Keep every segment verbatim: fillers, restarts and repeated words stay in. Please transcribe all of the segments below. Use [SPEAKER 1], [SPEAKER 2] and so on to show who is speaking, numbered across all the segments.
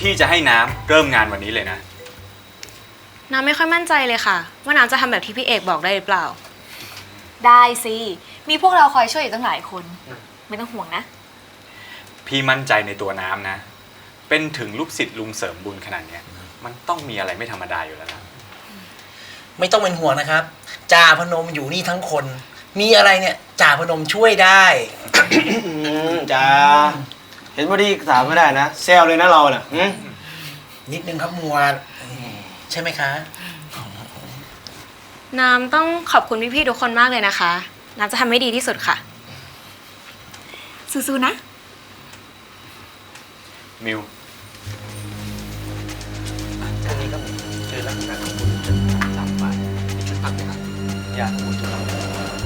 [SPEAKER 1] พี่จะให้น้ำเริ่มงานวันนี้เลยนะ
[SPEAKER 2] น้ำไม่ค่อยมั่นใจเลยค่ะว่าน้ำจะทำแบบที่พี่เอกบอกได้หรือเปล่า
[SPEAKER 3] ได้สิมีพวกเราคอยช่วยอยู่ตั้งหลายคนไม่ต้องห่วงนะ
[SPEAKER 1] พี่มั่นใจในตัวน้ำนะเป็นถึงลูกศิษย์ลุงเสริมบุญขนาดนี้มันต้องมีอะไรไม่ธรรมดาอยู่แล้วนะ
[SPEAKER 4] ไม่ต้องเป็นห่วงนะครับจ่าพนมอยู่นี่ทั้งคนมีอะไรเนี่ยจ่าพนมช่วยได้
[SPEAKER 5] จ่าเห็นว่าดีสามไม่ได้นะแซวเลยนะเราน่ะ
[SPEAKER 4] นิดนึงครับมัวใช่ไหมคะ
[SPEAKER 2] น้ำต้องขอบคุณพี่ๆทุกคนมากเลยนะคะน้ำจะทำให้ดีที่สุดค่ะ
[SPEAKER 3] สู้ๆนะ
[SPEAKER 1] มิว
[SPEAKER 5] แค่นี้ก็คือลักษณะของคุณสามฝ่ายชุดพักนะครับอยากคุณทุกคน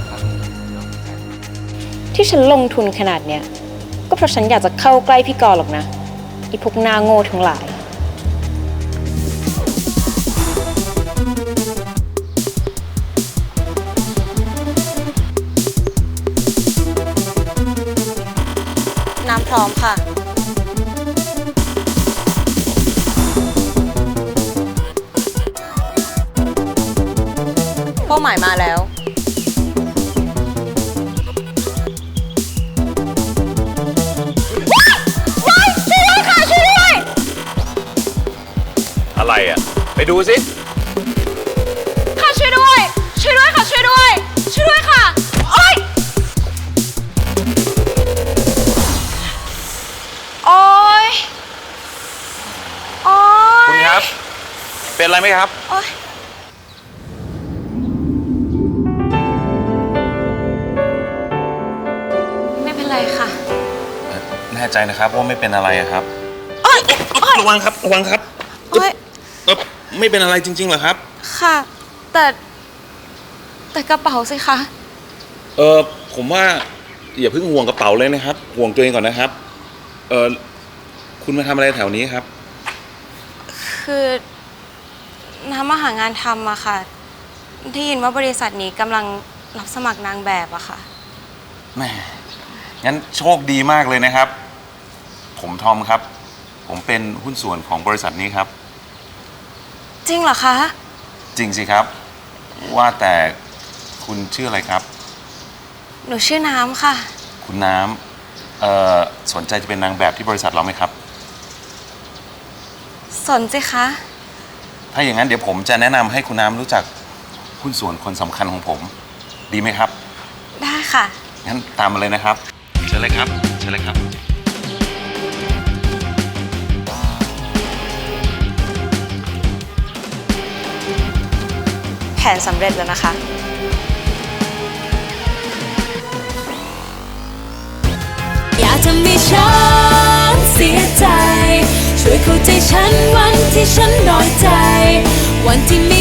[SPEAKER 2] ที่ฉันลงทุนขนาดเนี้ยก็เพราะฉันอยากจะเข้าใกล้พี่กรหรอกนะไอ้พวกหน้าโง่ทั้งหลายน้ำพร้อมค่ะเป้าหมายมาแล้ว
[SPEAKER 1] อะไรอ่ะไปดูสิ
[SPEAKER 2] ค่ะช่วยด้วยช่วยด้วยค่ะช่วยด้วยช่วยด้วยค่ะโอ๊ยโอ๊ยโอ๊ย
[SPEAKER 1] คุณครับเป็นอะไรไหมครับ
[SPEAKER 2] โอ๊ยไม่เป็นไรค่ะ
[SPEAKER 1] แน่ใจนะครับว่าไม่เป็นอะไรครับ
[SPEAKER 4] ระวังครับระวังครับ
[SPEAKER 2] โอ๊ย
[SPEAKER 1] เออไม่เป็นอะไรจริงๆเหรอครับ
[SPEAKER 2] ค่ะแต่แต่กระเป๋าสิคะ
[SPEAKER 1] เออผมว่าอย่าเพิ่งห่วงกระเป๋าเลยนะครับห่วงตัวเองก่อนนะครับเออคุณมาทำอะไรแถวนี้ครับ
[SPEAKER 2] คือน้ำมาหางานทำอะค่ะได้ยินว่าบริษัทนี้กำลังรับสมัครนางแบบอะค่ะ
[SPEAKER 1] แม่งั้นโชคดีมากเลยนะครับผมทอมครับผมเป็นหุ้นส่วนของบริษัทนี้ครับ
[SPEAKER 2] จริงเหรอคะ
[SPEAKER 1] จริงสิครับว่าแต่คุณชื่ออะไรครับ
[SPEAKER 2] หนูชื่อน้ำค่ะ
[SPEAKER 1] คุณน้ำเอ่อสนใจจะเป็นนางแบบที่บริษัทเราไหมครับ
[SPEAKER 2] สนสิคะ
[SPEAKER 1] ถ้าอย่างนั้นเดี๋ยวผมจะแนะนำให้คุณน้ำรู้จักหุ้นส่วนคนสำคัญของผมดีไหมครับ
[SPEAKER 2] ได้ค่ะ
[SPEAKER 1] งั้นตามมาเลยนะครับเชิญเลยครับเชิญเลยครับ
[SPEAKER 2] แผนสำเร็จแล้วนะคะ
[SPEAKER 6] อย่าทำให้ฉันเสียใจช่วยเข้าใจฉันวันที่ฉันน้อยใจวันที่